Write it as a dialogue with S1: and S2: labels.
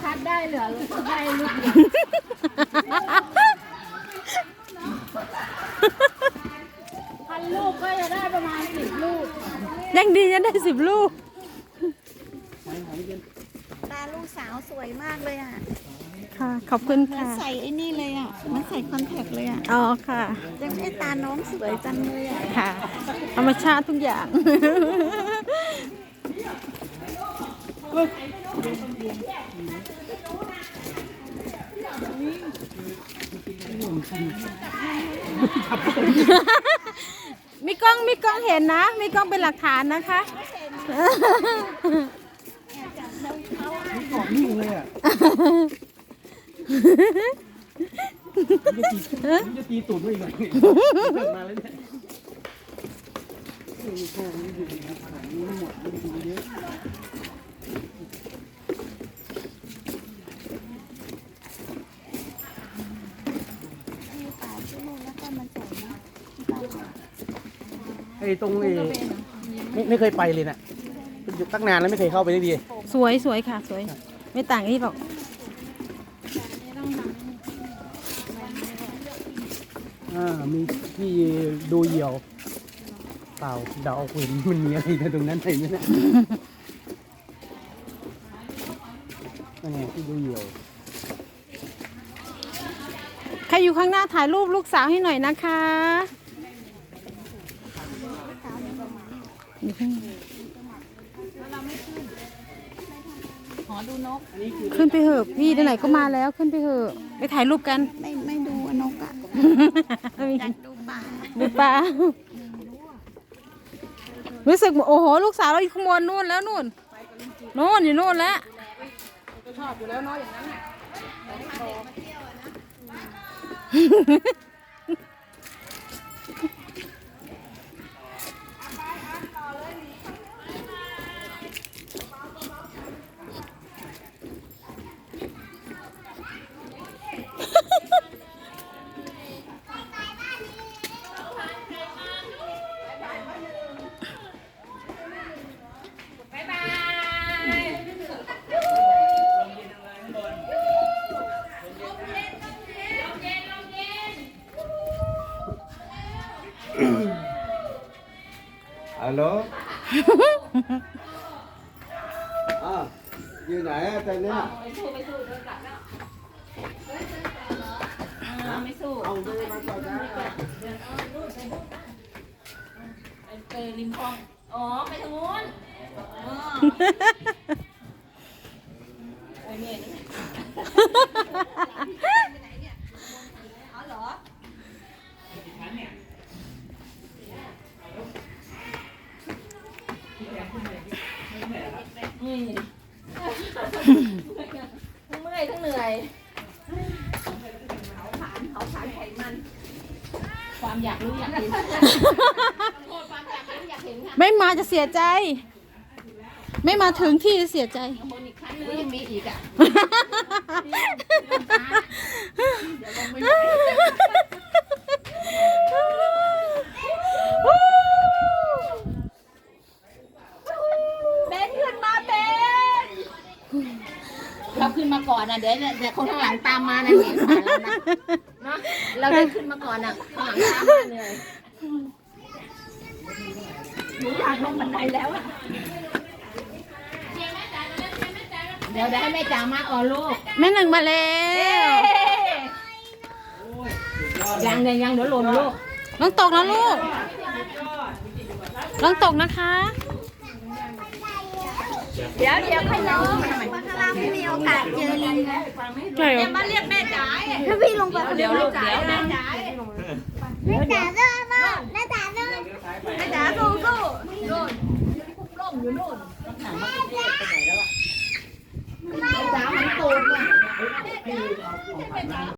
S1: คัดได้เหลือได้ลูกพันลูกก็จะได้ประมาณ10 ลูก
S2: ยังดียังได้10 ลูก
S3: ตาลูกสาวสวยมากเลยอ่ะ
S2: ค่ะขอบคุณ
S3: มัน
S2: ค่ะ
S3: ใส่ไอ้นี่เลยอ่ะมันใส่คอนแทคเลยอ่ะ
S2: อ๋อค่ะ
S3: ยังไม่ตาน้องสวยจังเลยอ่ะ
S2: ค่ะธรรมชาติทุกอย่างมีกล้องเห็นนะมีกล้องเป็นหลักฐานนะคะ
S4: กอดนิ่งเลยอ่ะจะตีตูดไม่อีกเลยมาแล้วเนี่ยโค้งนี่ดูนะขนาดนี้หมดไม่ดูเยอะไอ้ตรงไม่เคยไปเลยนะอยู่ตั้งนานแล้วไม่เคยเข้าไปได้ดี
S2: สวยค่ะสวยไม่ต่างที่บอก
S4: มีที่ดูเหยี่ยวเปล่าเดาเห็นมันมีอะไรในตรงนั้นไหมเนี่ยนั่นไงที่ดูเหยี่ยว
S2: ใครอยู่ข้างหน้าถ่ายรูปลูกสาวให้หน่อยนะคะ
S3: ขอดูนก
S2: ขึ้นไปเถอะพี่ไหนๆก็มาแล้วขึ้นไปเถอะไปถ่ายรูปกัน
S3: ไม่ดูนกอ่ะอยากดูปลา
S2: รู้สึกโอ้โหลูกสาวเราอยู่ข้างบนนู่นแล้วนู่นอยู่นู่นแล้วชอบอยู่แล้วเนาะอย่างนั้น
S4: ฮัลโหลอยู่ไหนอะตอนเนี้ย
S1: ไม่สู้เดินกลับแล้วไม่สู้
S4: เอาไปมาต่อจ้า
S1: ไปริมคลองอ๋อไปทางนู้นโอ้ยเนี่ยอ๋อเหรอเมื่อยทั้งเหนื่อยเผาผลาญไขมันความอยากรู้อยากเห็นความอยากรู้อยากเห็นค่ะ
S2: ไม่มาจะเสียใจไม่มาถึงที่จะเสียใจ
S1: บนอีกครั้งนึงยังมีอีกอ่ะเราขึ้นมาก่อนนะเดี๋ยวคนข้างหลังตามมานะเห็นผ่านแล้วนะเนาะเราได้ขึ้นมาก่อนนะข้างหลังตามมาเลยหนูอยากลงบันไดแล้วอะเดี๋ยวให้แม่จ๋ามาอ๋อลูก
S2: แม่หนึ่งมาแล้ว
S1: ยังเดี๋ยวหล่นลูก
S2: ลองตกนะลูกลองตกนะคะ
S3: เดี๋ยวขยับมาข้างล่างไม่มีโอกาสเจอลิงนะ
S2: ใช่เหรอ
S3: มาเรียกแม่จ๋าถ้าพี่ลงไป
S1: เดี๋ยวลูกเดี๋ยวนะ
S3: แม่จ๋าเดินมาแม่จ๋าเดินแม่จ๋าสู้
S1: นู่นร่มอยู่นู่นแม่จ๋ามันตูด